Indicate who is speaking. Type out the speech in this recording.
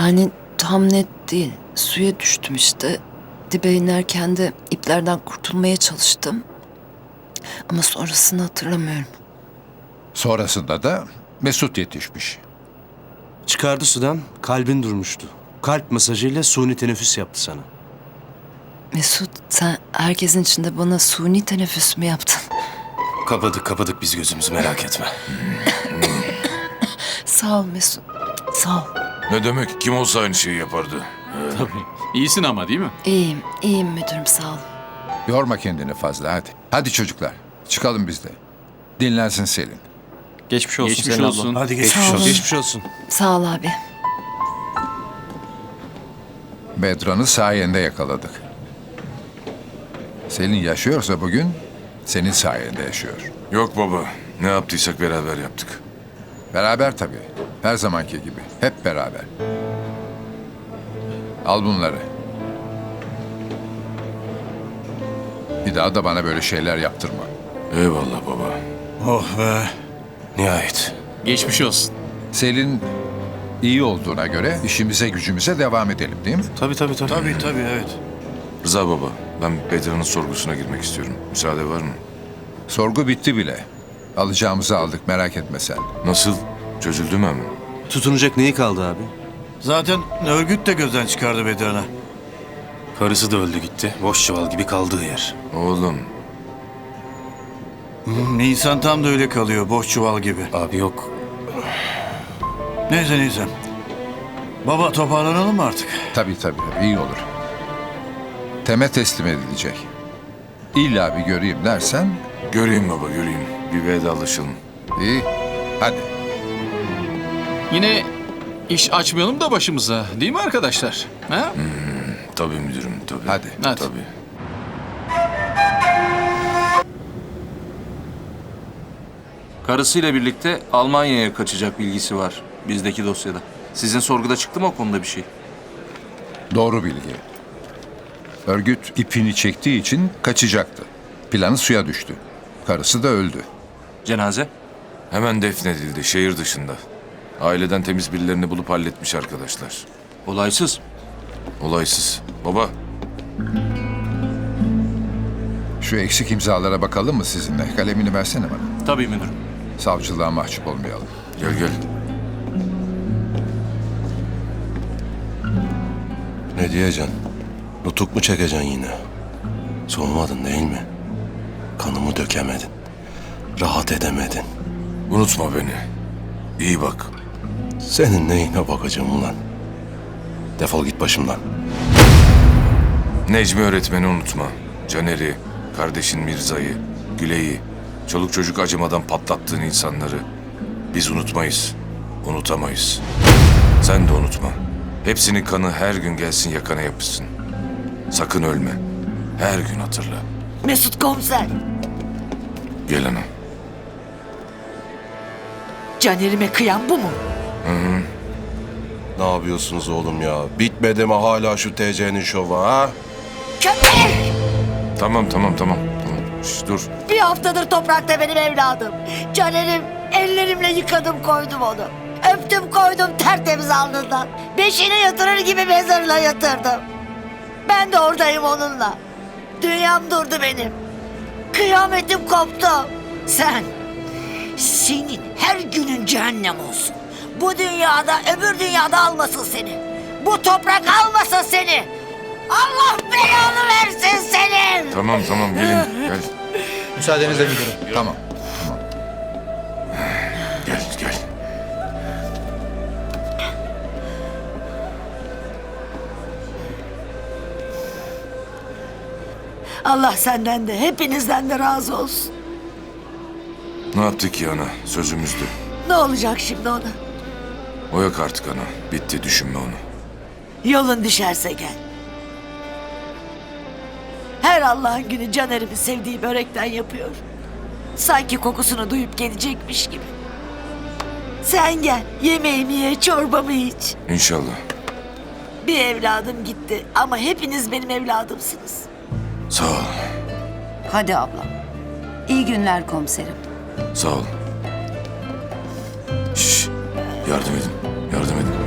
Speaker 1: Yani tam net değil. Suya düştüm işte. Dibe inerken de iplerden kurtulmaya çalıştım. Ama sonrasını hatırlamıyorum.
Speaker 2: Sonrasında da Mesut yetişmiş.
Speaker 3: Çıkardı sudan, kalbin durmuştu. Kalp masajıyla suni teneffüs yaptı sana.
Speaker 1: Mesut, sen herkesin içinde bana suni teneffüs mü yaptın?
Speaker 4: Kapadık biz gözümüzü, merak etme.
Speaker 1: Sağ ol Mesut. Sağ ol.
Speaker 5: Ne demek? Kim olsa aynı şeyi yapardı.
Speaker 6: İyisin ama değil mi?
Speaker 1: İyiyim müdürüm, sağ ol.
Speaker 2: Yorma kendini fazla hadi. Hadi çocuklar çıkalım biz de. Dinlensin Selin.
Speaker 4: Geçmiş olsun
Speaker 6: Geçmiş
Speaker 4: Selin
Speaker 6: olsun.
Speaker 4: abla.
Speaker 3: Hadi
Speaker 1: Sağ
Speaker 3: geçmiş
Speaker 1: olun.
Speaker 3: olsun. Geçmiş olsun.
Speaker 1: Sağ ol abi.
Speaker 2: Bedran'ı sayende yakaladık. Selin yaşıyorsa bugün senin sayende yaşıyor.
Speaker 5: Yok baba. Ne yaptıysak beraber yaptık.
Speaker 2: Beraber tabii. Her zamanki gibi. Hep beraber. Al bunları. Bir daha da bana böyle şeyler yaptırma.
Speaker 5: Eyvallah baba.
Speaker 3: Oh be.
Speaker 4: Nihayet.
Speaker 6: Geçmiş olsun.
Speaker 2: Selin iyi olduğuna göre işimize gücümüze devam edelim değil mi?
Speaker 4: Tabii.
Speaker 3: Tabii evet.
Speaker 5: Rıza baba, ben Bedirhan'ın sorgusuna girmek istiyorum. Müsaade var mı?
Speaker 2: Sorgu bitti bile. Alacağımızı aldık merak etme sen.
Speaker 5: Nasıl? Çözüldü mü hemen?
Speaker 3: Tutunacak neyi kaldı abi?
Speaker 7: Zaten örgüt de gözden çıkardı Bedirhan'a.
Speaker 4: Karısı da öldü gitti. Boş çuval gibi kaldığı yer.
Speaker 5: Oğlum,
Speaker 7: Nisan tam da öyle kalıyor, boş çuval gibi.
Speaker 4: Abi yok.
Speaker 7: Neyse. Baba toparlanalım mı artık?
Speaker 2: Tabii iyi olur. Teme teslim edilecek. İlla bir göreyim dersen
Speaker 5: göreyim baba, göreyim. Bir vedalaşalım.
Speaker 2: iyi. Hadi.
Speaker 6: Yine iş açmayalım da başımıza, değil mi arkadaşlar? Ha?
Speaker 5: Tabii müdürüm, tabii.
Speaker 2: Hadi.
Speaker 6: Hadi.
Speaker 5: Tabii.
Speaker 8: Karısıyla birlikte Almanya'ya kaçacak bilgisi var bizdeki dosyada. Sizin sorguda çıktı mı o konuda bir şey?
Speaker 2: Doğru bilgi. Örgüt ipini çektiği için kaçacaktı. Planı suya düştü. Karısı da öldü.
Speaker 8: Cenaze?
Speaker 5: Hemen defnedildi, şehir dışında. Aileden temiz birilerini bulup halletmiş arkadaşlar.
Speaker 8: Olaysız.
Speaker 5: Olaysız. Baba,
Speaker 2: Şu eksik imzalara bakalım mı sizinle? Kalemini versene bana.
Speaker 8: Tabii müdürüm.
Speaker 2: Savcılığa mahcup olmayalım.
Speaker 5: gel.
Speaker 4: Ne diyeceksin? Nutuk mu çekeceksin yine? Soğumadın değil mi? Kanımı dökemedin. Rahat edemedin.
Speaker 5: Unutma beni. İyi bak.
Speaker 4: Senin neyine bakacağım ulan? Defol git başımdan.
Speaker 5: Necmi öğretmeni unutma. Caner'i, kardeşin Mirza'yı, Güle'yi, çoluk çocuk acımadan patlattığın insanları. Biz unutmayız, unutamayız. Sen de unutma. Hepsinin kanı her gün gelsin yakana yapışsın. Sakın ölme. Her gün hatırla.
Speaker 9: Mesut komiser,
Speaker 5: Gel ana.
Speaker 9: Caner'ime kıyan bu mu?
Speaker 4: Ne yapıyorsunuz oğlum ya? Bitmedi mi hala şu TC'nin şovu ha?
Speaker 9: Köpek!
Speaker 5: Tamam. Şş, dur.
Speaker 9: Bir haftadır toprakta benim evladım. Caner'im, ellerimle yıkadım koydum onu. Öptüm koydum tertemiz alnından. Beşiğine yatırır gibi mezarına yatırdım. Ben de oradayım onunla. Dünyam durdu benim. Kıyametim koptu. Senin her günün cehennem olsun. Bu dünyada öbür dünyada almasın seni. Bu toprak almasın seni. Allah belanı versin senin.
Speaker 5: Tamam gelin. Gel.
Speaker 7: Müsaadenizle müdürüm.
Speaker 2: Tamam.
Speaker 5: Gel.
Speaker 9: Allah senden de hepinizden de razı olsun.
Speaker 5: Ne yaptık ki ana? Sözümüzdü.
Speaker 9: Ne olacak şimdi ona?
Speaker 5: O yok artık ana. Bitti, düşünme onu.
Speaker 9: Yolun düşerse gel. Her Allah'ın günü Caner'imin sevdiği börekten yapıyor. Sanki kokusunu duyup gelecekmiş gibi. Sen gel, yemeğimi ye, çorbamı iç.
Speaker 5: İnşallah.
Speaker 9: Bir evladım gitti ama hepiniz benim evladımsınız.
Speaker 5: Sağ ol.
Speaker 10: Hadi ablam. İyi günler komiserim.
Speaker 5: Sağ ol. Şş, yardım edin.